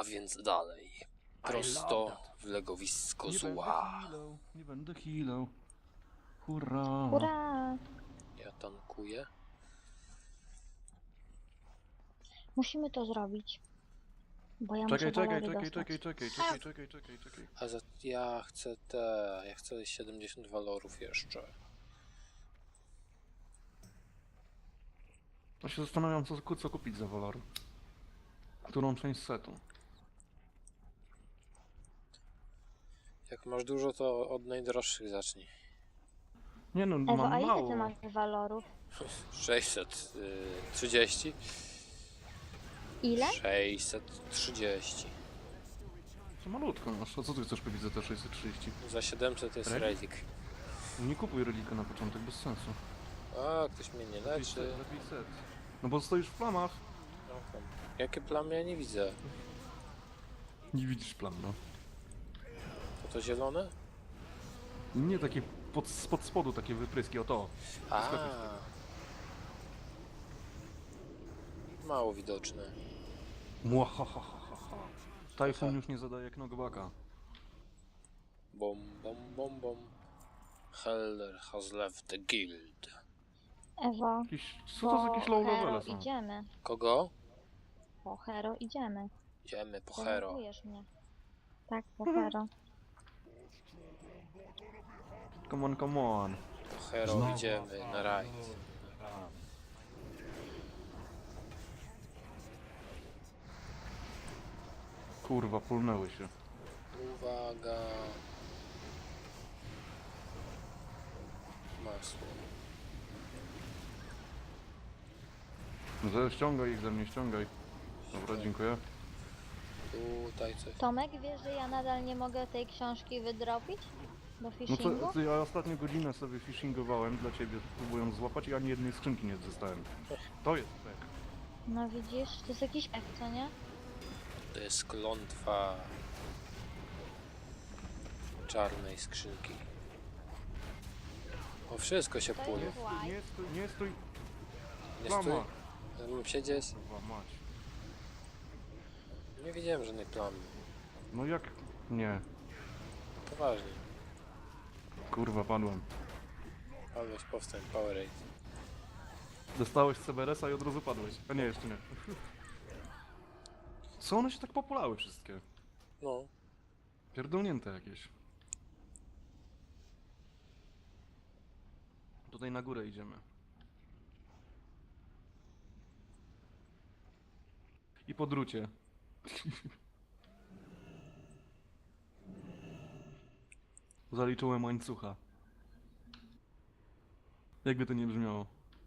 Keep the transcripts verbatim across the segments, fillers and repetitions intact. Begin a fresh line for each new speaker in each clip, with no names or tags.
więc dalej. Prosto w legowisko
Nie będę
zła.
healał, nie będę healał. Hurra!
Hurra!
Ja tankuję.
Musimy to zrobić. Bo ja
Czekaj,
muszę
czekaj,
walory
czekaj,
dostać.
czekaj, czekaj, czekaj, czekaj, czekaj, czekaj.
A za... ja chcę te... ja chcę siedemdziesiąt walorów jeszcze.
Ja się zastanawiam, co, co kupić za walory. Którą część setu?
Jak masz dużo, to od najdroższych zacznij.
Nie no,
Ewo,
mam
a ile
mało.
ty masz walorów?
sześćset trzydzieści.
Ile?
sześćset trzydzieści.
To malutko masz. A co ty chcesz kupić za te sześćset trzydzieści?
Za siedemset jest
Relik?
relik.
Nie kupuj relika na początek, bez sensu.
A, ktoś mnie nie
Lepiej
leczy.
set, lepiej set. No bo stoisz w plamach.
No, tam. Jakie plamy? Ja nie widzę.
Nie widzisz plam, no.
To to zielone?
Nie takie pod, spod spodu takie wypryski, o to.
A.
Skakuj.
Mało widoczne.
Mwahahaha. Tajfun już nie zadaje knockbacka.
Bom, bom, bom, bom. Heller has left the guild.
Ewo,
Jakiś, co to za jakieś low
po hero
levele są?
idziemy.
Kogo?
Po hero idziemy.
Idziemy po hero.
Denerwujesz mnie. Tak, po hero.
Come on, come on.
Po hero
Znowu.
idziemy na rajd.
Kurwa, pulnęły się.
Uwaga. Masło.
Że ściągaj ich ze mnie, ściągaj. Dobra, dziękuję.
Tutaj coś.
Tomek, wiesz, że ja nadal nie mogę tej książki wydropić? Do
No
fishingu?
co, co, ja ostatnio godzinę sobie phishingowałem dla ciebie, próbując złapać i ani jednej skrzynki nie dostałem. To jest pek.
No widzisz, to jest jakiś pek, co nie?
To jest klątwa czarnej skrzynki. O, wszystko się
To
płynie.
jest-
Nie stój, nie stój,
Nie stój.
plama.
Mam siedzieć?
Kurwa mać.
Nie widziałem żadnej plamy.
No jak? Nie.
Poważnie.
Kurwa, padłem.
Alboś powstań, Powerade.
Dostałeś C B R S-a i od razu padłeś. A nie, jeszcze nie. Co one się tak populały wszystkie?
No.
Pierdolnięte jakieś. Tutaj na górę idziemy. I po drucie. Zaliczyłem łańcucha. Jakby to nie brzmiało.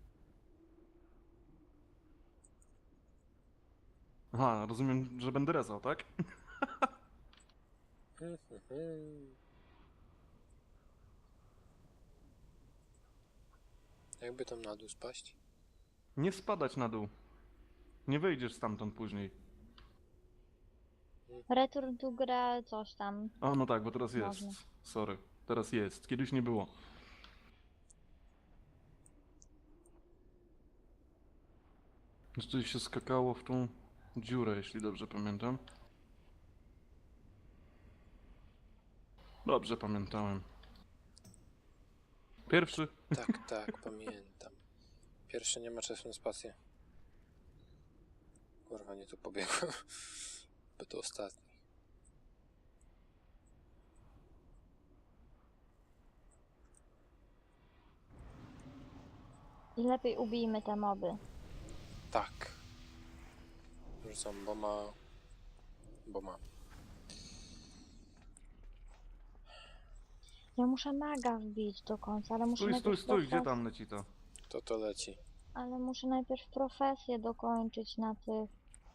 Aha, rozumiem, że będę rezał, tak?
Jakby tam na dół spaść?
Nie spadać na dół. Nie wyjdziesz stamtąd później.
Return to gra, coś tam.
A, no tak, bo teraz jest.
Można.
Sorry. Teraz jest. Kiedyś nie było. Jeszcze się skakało w tą dziurę, jeśli dobrze pamiętam. Dobrze pamiętałem. Pierwszy.
Tak, tak, pamiętam. Pierwszy nie ma czasu na spację. Kurwa, nie tu pobiegłem. By to ostatni.
I lepiej ubijmy te moby.
Tak. Rzucam boma. Boma.
Ja muszę maga wbić do końca, ale muszę
Stój, stój,
najpierw
stój, gdzie
profes-
tam leci to?
To to leci.
Ale muszę najpierw profesję dokończyć na tych...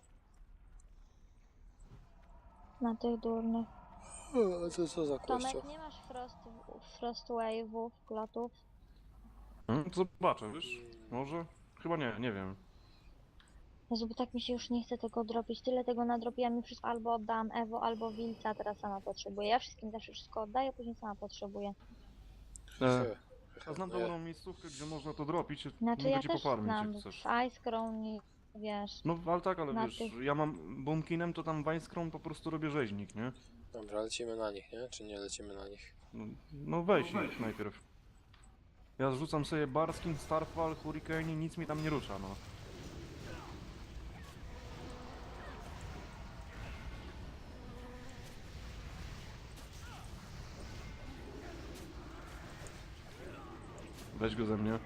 Na tych durnych.
O, to co za
Tomek,
kościół?
nie masz frost, frost wave'ów, klotów?
Hmm, zobaczę, wiesz? Może? Chyba nie, nie wiem.
Jezu, bo tak mi się już nie chce tego dropić. Tyle tego nadrobiłam i wszystko albo oddałam Ewo, albo Wilca, a teraz sama potrzebuję. Ja wszystkim zawsze wszystko oddaję, później sama potrzebuję.
E,
Hy,
a znam
nie.
dobrą miejscówkę, gdzie można to dropić.
Znaczy
Mogę
ja
ci
też
pofarmić,
znam
jak chcesz.
w Ice Crown i wiesz.
No ale tak, ale
Na
wiesz,
tych-
ja mam Boomkinem, to tam Weinscron po prostu robię rzeźnik, nie?
Dobra, lecimy na nich, nie? Czy nie lecimy na nich?
No, no weź ich najpierw. Ja zrzucam sobie Barskin, Starfall, Hurricane i nic mi tam nie rusza, no. Weź go ze mnie.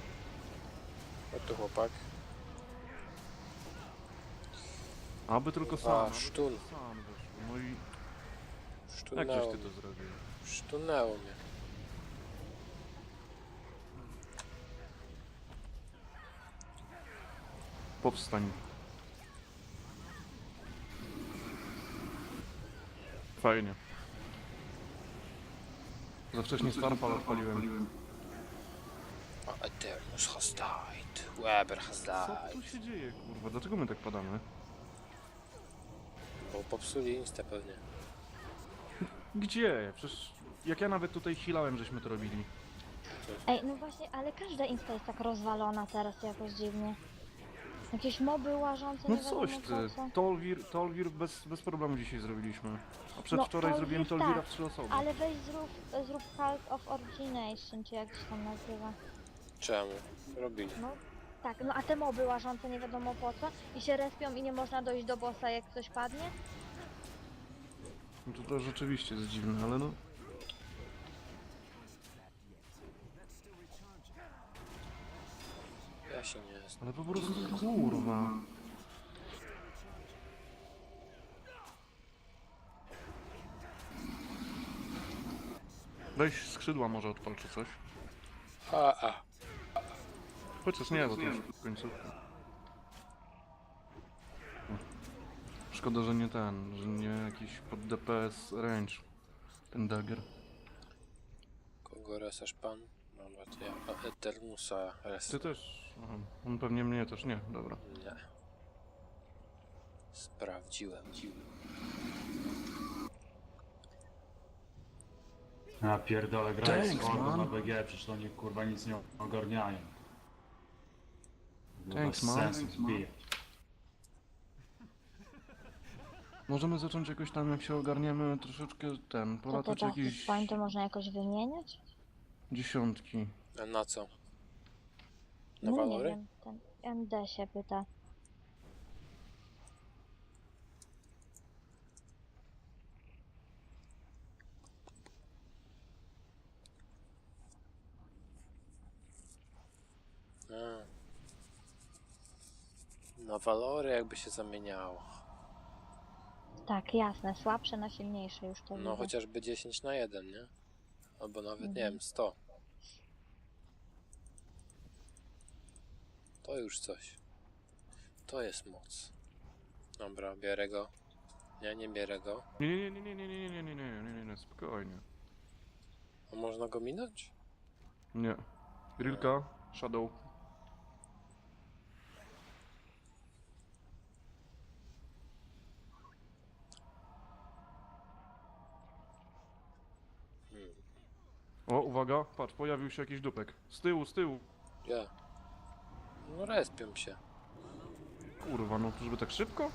O tu chłopak.
Aby tylko sam.
A,
aby
sztun.
tylko sam wyszło. No i jak żeś
Sztunęło
ty
mnie.
to zrobił?
Sztunęło mnie.
Powstań. Fajnie. Za wcześnie Starfall odpaliłem.
A Eternus has died. Weber has
Co
died.
tu się dzieje, kurwa? Dlaczego my tak padamy?
Bo popsuli insta pewnie.
Gdzie? Przecież jak ja nawet tutaj healałem, żeśmy to robili.
Ej, no właśnie, ale każda insta jest tak rozwalona teraz jakoś dziwnie. Jakieś moby łażące,
No
nie wiadomo
coś ty.
po co.
Tolwir, Tolwir bez, bez problemu dzisiaj zrobiliśmy. A przedwczoraj
No,
zrobiłem
Tolwir
Tolwira
tak,
w trzy osoby.
Ale weź zrób, zrób Cult of Origination, czy jak się tam nazywa.
Czemu? Robili.
No tak, no a te moby łażące nie wiadomo po co i się respią i nie można dojść do bossa jak ktoś padnie?
No to, to rzeczywiście jest dziwne, ale no.
Ja się nie znam.
Ale po prostu kurwa. Weź skrzydła może odpal czy coś.
A, a.
Chociaż nie, bo to już końcówka. Szkoda, że nie ten, że nie jakiś pod D P S range. Ten dagger.
Kogo resasz pan? Dobra, to ja a Eternusa res.
Ty też. Aha, on pewnie mnie też nie, dobra.
Nie. Sprawdziłem.
Ja pierdolę, grać z
Thanks,
hordą
man.
na B G, przecież oni kurwa nic nie ogarniają. Bez
Thanks, man.
sensu
Thanks, man.
zbijać.
Możemy zacząć jakoś tam, jak się ogarniemy, troszeczkę ten,
To te
polatać
Justice
jakieś
Point to można jakoś wymieniać?
dziesiątki.
A na co? Na
No nie
walory?
wiem, ten M D się pyta.
A. Na walory jakby się zamieniało.
Tak, jasne, słabsze na silniejsze już to
No
widzę.
chociażby dziesięć na jeden, nie? Albo nawet nie
Mhm.
wiem, sto. To już coś. To jest moc. Dobra, bierę go. Nie, nie bierę go.
Nie, nie, nie, nie, nie, nie, nie, nie, nie, nie, nie, nie, nie, spokojnie.
A można go minąć?
Nie. Grillka, Shadow.
Hmm.
O, uwaga, patrz, pojawił się jakiś dupek. Z tyłu, z tyłu.
Ja. No respią się.
Kurwa, no to żeby tak szybko?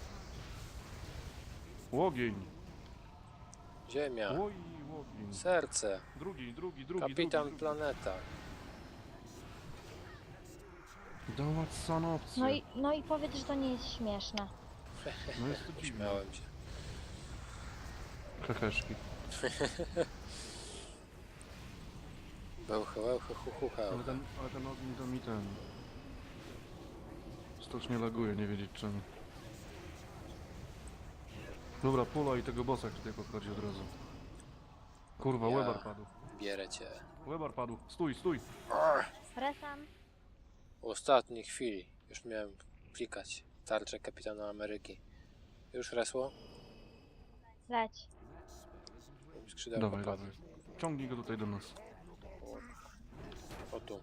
Łogień.
Ziemia.
Oj, łogień.
Serce.
Drugi, drugi, drugi,
Kapitan
drugi,
planeta.
drugi. Dawać sanopcję.
No i, no i powiedz, że to nie jest śmieszne.
No jest to dziwne.
Śmiałem się.
Heheszki.
Bełchy, łełchy, hu, hu, he.
Ale ten, ale ten ogień to mi ten... Strasznie laguje, nie wiedzieć czemu. Dobra, pula i tego bossa tutaj podchodzi od razu. Kurwa,
Ja.
Webar padł.
Bierę cię.
Webar padł. Stój, stój.
Resam.
W ostatniej chwili. Już miałem klikać. Tarczę Kapitana Ameryki. Już resło?
Leć.
Skrzydełko
Dawaj,
padło.
dawaj. Ciągnij go tutaj do nas.
O tu.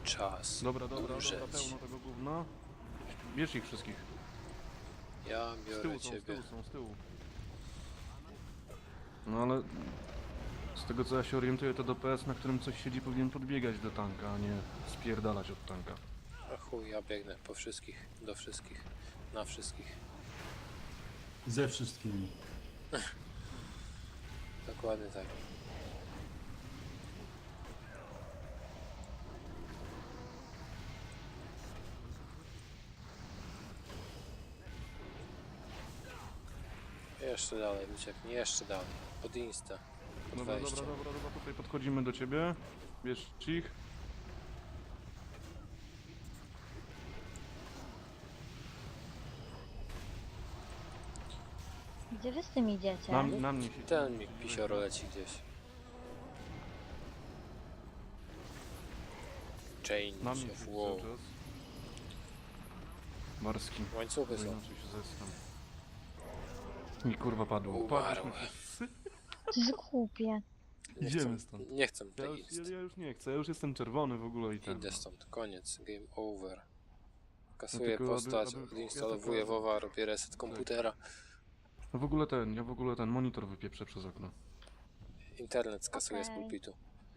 Czas
Dobra, dobra, dobra,
umrzeć.
pełno tego gówna. Bierz ich wszystkich.
Ja
Z
biorę
tyłu są, z
ciebie.
tyłu są, z tyłu. No ale z tego co ja się orientuję, to do P S, na którym coś siedzi, powinien podbiegać do tanka, a nie spierdalać od tanka.
A chuj, ja biegnę po wszystkich, do wszystkich, na wszystkich.
Ze wszystkimi.
Dokładnie tak. Jeszcze dalej, ucieknij, jeszcze dalej. Pod insta, pod
Dobra,
wejście.
dobra, dobra, dobra, tutaj podchodzimy do ciebie. Bierz ich.
Gdzie wy z tym idziecie?
Na, na mnie się...
Ten mi pisioro leci gdzieś. Change
Na mnie
of
się
war.
cały czas. Marski.
Łańcuchy
Bo
są.
inaczej się zeskam. Mi kurwa padło.
Umarł.
Padliśmy wszyscy.
To jest głupie.
Nie
Idziemy
chcę,
stąd.
nie chcę
Ja
tej
już,
inst.
ja, ja już nie chcę, ja już jestem czerwony w ogóle i ten.
Idę stąd, koniec, game over. Kasuję
No tylko aby-
postać,
aby-
odinstalowuję
ja tylko-
WoWa, robię reset komputera.
No w ogóle ten, ja w ogóle ten monitor wypieprzę przez okno.
Internet skasuję z
Okej.
pulpitu.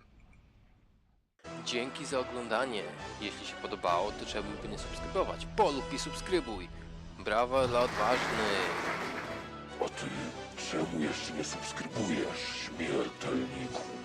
Dzięki za oglądanie. Jeśli się podobało, to czemu by nie subskrybować? Polub i subskrybuj. Brawa dla odważnych.
A ty czemu jeszcze nie subskrybujesz, śmiertelniku?